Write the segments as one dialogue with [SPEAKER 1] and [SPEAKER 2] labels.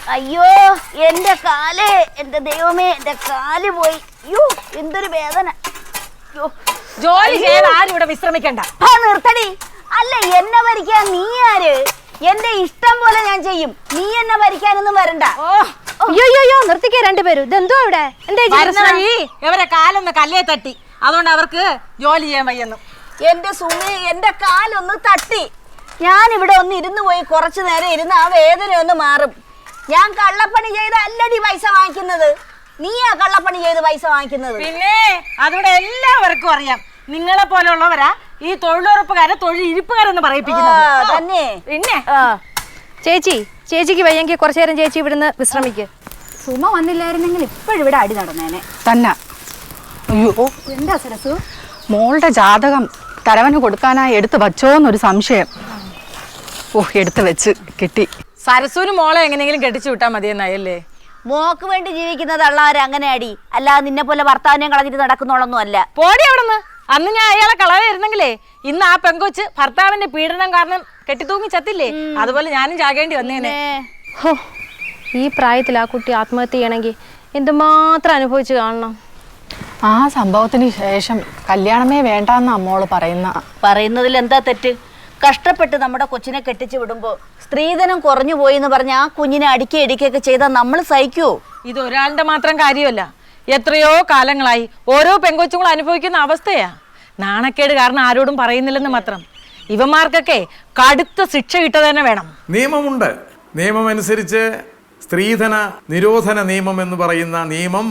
[SPEAKER 1] അയ്യോ എന്റെ കാല്, എന്റെ ദൈവമേ, എന്റെ കാല് പോയി. അയ്യോ എന്തൊരു വേദന.
[SPEAKER 2] ജോലി ചെയ്യാൻ ആരും ഇവിടെ വിശ്രമിക്കണ്ട.
[SPEAKER 1] നിർത്തടി. അല്ല എന്നെ ഭരിക്കാൻ നീ ആര്? എന്റെ ഇഷ്ടം പോലെ ഞാൻ ചെയ്യും. നീ എന്നെ ഭരിക്കാനൊന്നും വരണ്ട.
[SPEAKER 3] അയ്യോ നിർത്തിക്കേ രണ്ടുപേരും. ഇതെന്തോ ഇവിടെ
[SPEAKER 2] ഇവരെ കാലൊന്ന് കല്ലേ തട്ടി, അതുകൊണ്ട് അവർക്ക് ജോലി ചെയ്യാൻ വയ്യെന്നു.
[SPEAKER 1] എന്റെ സുമി, എന്റെ കാലൊന്ന് തട്ടി. ഞാൻ ഇവിടെ ഒന്ന് ഇരുന്ന് പോയി കുറച്ചു നേരം ഇരുന്ന് ആ വേദന ഒന്ന് മാറും. ഞാൻ കള്ളപ്പണി ചെയ്ത് അല്ലടി പൈസ വാങ്ങിക്കുന്നത്. നീയാ കള്ളപ്പണി ചെയ്ത് പൈസ വാങ്ങിക്കുന്നത്.
[SPEAKER 2] പിന്നെ അതിവിടെ എല്ലാവർക്കും അറിയാം. നിങ്ങളെ പോലുള്ളവരാ ഈ തൊഴിലുറപ്പുകാരെ തൊഴിലിരിപ്പുകാരെന്ന് പറയിപ്പിക്കുന്നത്
[SPEAKER 1] തന്നെ.
[SPEAKER 2] പിന്നെ
[SPEAKER 3] ചേച്ചിക്ക് വയ്യെങ്കിൽ കുറച്ചു നേരം ചേച്ചി ഇവിടുന്ന് വിശ്രമിക്ക്.
[SPEAKER 1] സുമ വന്നില്ലായിരുന്നെങ്കിൽ ഇപ്പോഴിവിടെ അടി നടന്നേനെ
[SPEAKER 4] തന്നെ. അയ്യോ
[SPEAKER 1] എന്താ സരസു?
[SPEAKER 4] മോളുടെ ജാതകം തരവന് കൊടുക്കാനായി എടുത്ത് വച്ചോന്നൊരു സംശയം. എടുത്ത് വെച്ച് കിട്ടി.
[SPEAKER 2] സരസൂന് മോളെ എങ്ങനെയെങ്കിലും കെട്ടിച്ചു വിട്ടാൽ മതിയെന്നായല്ലേ?
[SPEAKER 1] മോക്ക് വേണ്ടി ജീവിക്കുന്നത് അള്ളാര് അങ്ങനെ അടി. അല്ലാതെ നിന്നെ പോലെ ഭർത്താവിനെയും കളഞ്ഞിട്ട് നടക്കുന്നോളൊന്നും അല്ല.
[SPEAKER 2] പോടി അവിടുന്ന്. അന്ന് ഞാൻ അയാളെ കളവായിരുന്നെങ്കിലേ ഇന്ന് ആ പെങ്കൊച്ച് ഭർത്താവിന്റെ പീഡനം കാരണം കെട്ടിത്തൂങ്ങി ചത്തില്ലേ, അതുപോലെ ഞാനും ചാകേണ്ടി വന്നേനെ.
[SPEAKER 3] ഈ പ്രായത്തിൽ ആ കുട്ടി ആത്മഹത്യ ചെയ്യണമെങ്കിൽ എന്തുമാത്രം അനുഭവിച്ചു കാണണം.
[SPEAKER 4] ആ സംഭവത്തിന് ശേഷം കല്യാണമേ വേണ്ടെന്ന അമ്മോള്
[SPEAKER 1] പറയുന്നതിൽ എന്താ തെറ്റ്? കഷ്ടപ്പെട്ട് നമ്മുടെ കൊച്ചിനെ കെട്ടിച്ചു വിടുമ്പോ സ്ത്രീധനം കുറഞ്ഞു പോയി എന്ന് പറഞ്ഞ ആ കുഞ്ഞിനെ അടിക്കുകയൊക്കെ ചെയ്താൽ നമ്മൾ സഹിക്കുവോ?
[SPEAKER 2] ഇത് ഒരാളുടെ മാത്രം കാര്യമല്ല, എത്രയോ കാലങ്ങളായി ഓരോ പെങ്കൊച്ചുങ്ങളും അനുഭവിക്കുന്ന അവസ്ഥയാ. നാണക്കേട് കാരണം ആരോടും പറയുന്നില്ലെന്ന് മാത്രം. ഇവന്മാർക്കൊക്കെ കടുത്ത ശിക്ഷ കിട്ടുക തന്നെ വേണം.
[SPEAKER 5] നിയമമുണ്ട്. നിയമമനുസരിച്ച് സ്ത്രീധന നിരോധന നിയമം എന്ന് പറയുന്ന നിയമം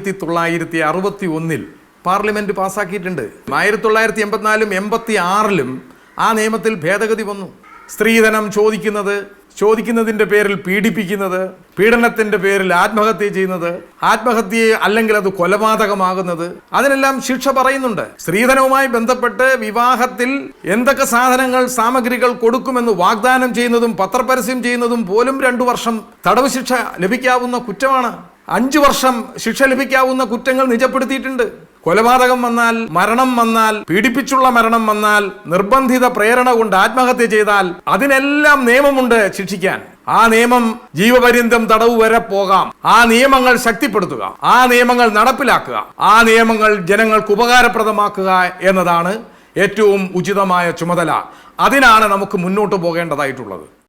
[SPEAKER 5] 1961 പാർലമെന്റ് പാസ്സാക്കിയിട്ടുണ്ട്. 1984 86 ആ നിയമത്തിൽ ഭേദഗതി വന്നു. സ്ത്രീധനം ചോദിക്കുന്നതിൻ്റെ പേരിൽ പീഡിപ്പിക്കുന്നത്, പീഡനത്തിൻ്റെ പേരിൽ ആത്മഹത്യ ചെയ്യുന്നത്, ആത്മഹത്യയെ അല്ലെങ്കിൽ അത് കൊലപാതകമാകുന്നത്, അതിനെല്ലാം ശിക്ഷ പറയുന്നുണ്ട്. സ്ത്രീധനവുമായി ബന്ധപ്പെട്ട് വിവാഹത്തിൽ എന്തൊക്കെ സാമഗ്രികൾ കൊടുക്കുമെന്ന് വാഗ്ദാനം ചെയ്യുന്നതും പത്രപരസ്യം ചെയ്യുന്നതും പോലും 2 വർഷം തടവ് ശിക്ഷ ലഭിക്കാവുന്ന കുറ്റമാണ്. 5 വർഷം ശിക്ഷ ലഭിക്കാവുന്ന കുറ്റങ്ങൾ നിജപ്പെടുത്തിയിട്ടുണ്ട്. കൊലപാതകം വന്നാൽ, മരണം വന്നാൽ, പീഡിപ്പിച്ചുള്ള മരണം വന്നാൽ, നിർബന്ധിത പ്രേരണ കൊണ്ട് ആത്മഹത്യ ചെയ്താൽ അതിനെല്ലാം നിയമമുണ്ട് ശിക്ഷിക്കാൻ. ആ നിയമം ജീവപര്യന്തം തടവ് വരെ പോകാം. ആ നിയമങ്ങൾ ശക്തിപ്പെടുത്തുക, ആ നിയമങ്ങൾ നടപ്പിലാക്കുക, ആ നിയമങ്ങൾ ജനങ്ങൾക്ക് ഉപകാരപ്രദമാക്കുക എന്നതാണ് ഏറ്റവും ഉചിതമായ ചുമതല. അതിനാണ് നമുക്ക് മുന്നോട്ട് പോകേണ്ടതായിട്ടുള്ളത്.